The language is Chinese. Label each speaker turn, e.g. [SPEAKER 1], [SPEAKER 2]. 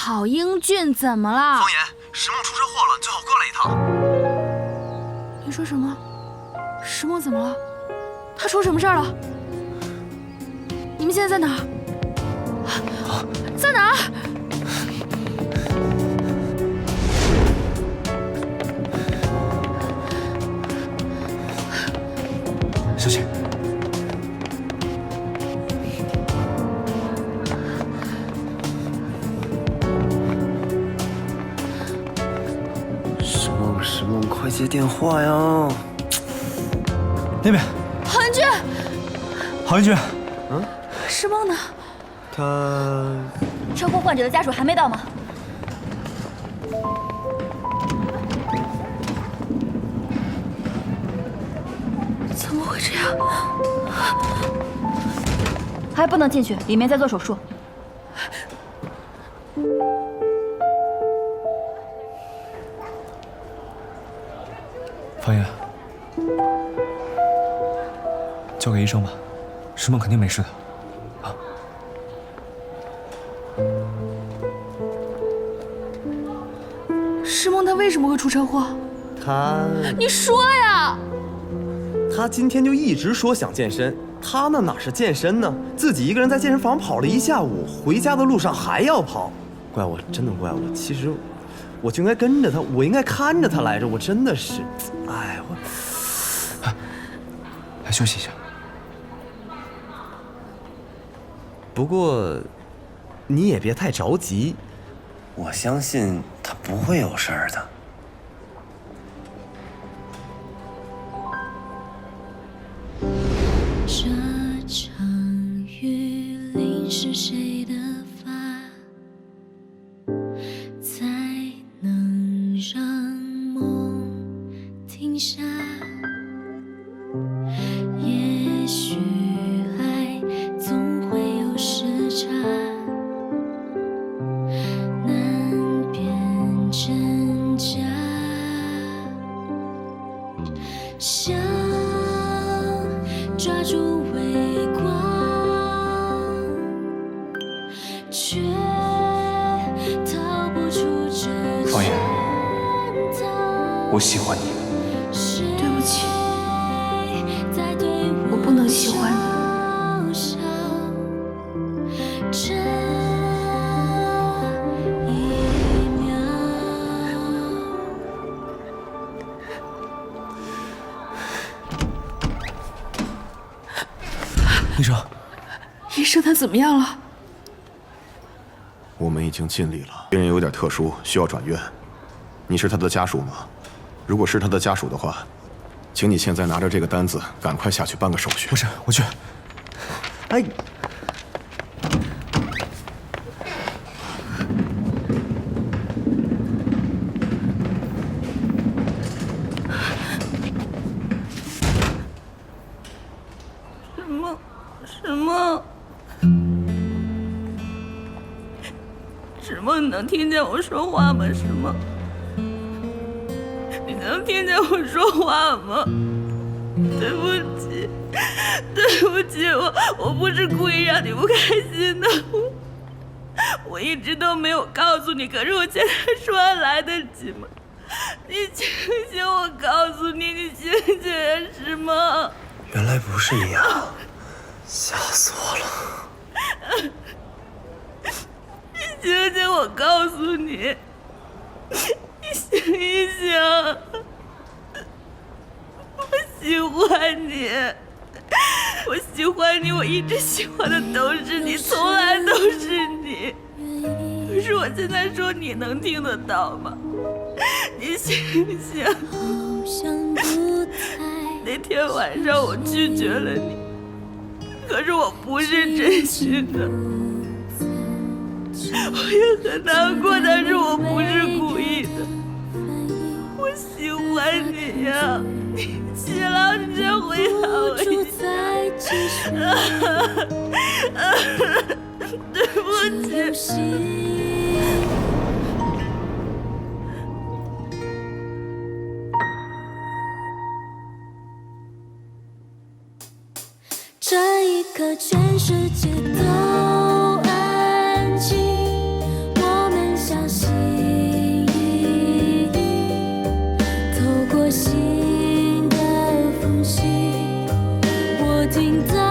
[SPEAKER 1] 郝英俊怎么了？
[SPEAKER 2] 方言，石梦出车祸了，你最好过来一趟。
[SPEAKER 1] 你说什么？石梦怎么了？他出什么事儿了？你们现在在哪儿？在哪儿？
[SPEAKER 3] 小姐，
[SPEAKER 2] 石梦，快接电话呀！
[SPEAKER 3] 那边，
[SPEAKER 1] 郝英俊，
[SPEAKER 3] 郝英俊，
[SPEAKER 1] 石梦呢？
[SPEAKER 2] 他
[SPEAKER 4] 车祸患者的家属还没到吗？
[SPEAKER 1] 怎么会这样？
[SPEAKER 4] 还不能进去，里面在做手术。
[SPEAKER 3] 方言，交给医生吧，石梦肯定没事的。
[SPEAKER 1] 石梦他为什么会出车祸？你说呀！
[SPEAKER 2] 他今天就一直说想健身，他那哪是健身呢？自己一个人在健身房跑了一下午，回家的路上还要跑，怪我，真的怪我。其实我就应该跟着他，我应该看着他来着，我真的是，哎，
[SPEAKER 3] 来休息一下。
[SPEAKER 2] 不过你也别太着急，
[SPEAKER 5] 我相信他不会有事儿的。
[SPEAKER 6] 这场雨淋湿谁的发，才能让梦停下？也许爱总会有时差，难辨真假。想抓住微光，却逃不出这
[SPEAKER 3] 方言，
[SPEAKER 6] 圈套。
[SPEAKER 3] 我喜欢你。
[SPEAKER 1] 对不起，我不能喜欢你。
[SPEAKER 6] 这一秒。
[SPEAKER 3] 医生，
[SPEAKER 1] 医生他怎么样了？
[SPEAKER 7] 我们已经尽力了。病人有点特殊，需要转院。你是他的家属吗？如果是他的家属的话，请你现在拿着这个单子，赶快下去办个手续。
[SPEAKER 3] 不是，我去。
[SPEAKER 2] 哎。
[SPEAKER 8] 石梦，你能听见我说话吗？石梦，你能听见我说话吗？对不起，对不起，我不是故意让你不开心的，我一直都没有告诉你，可是我现在说还来得及吗？你醒醒，我告诉你，你醒醒啊，石梦。
[SPEAKER 5] 原来不是你啊，吓死我了。
[SPEAKER 8] 你醒醒，我告诉你，你醒一醒，我喜欢你，我喜欢你，我一直喜欢的都是你，从来都是你。可是我现在说，你能听得到吗？你醒醒。那天晚上我拒绝了你，可是我不是真心的。我也很难过，但是我不是故意的。我喜欢你呀，你起来，你先回答我一下。对不起。
[SPEAKER 6] 这一刻，全世界都安静。我们。 停在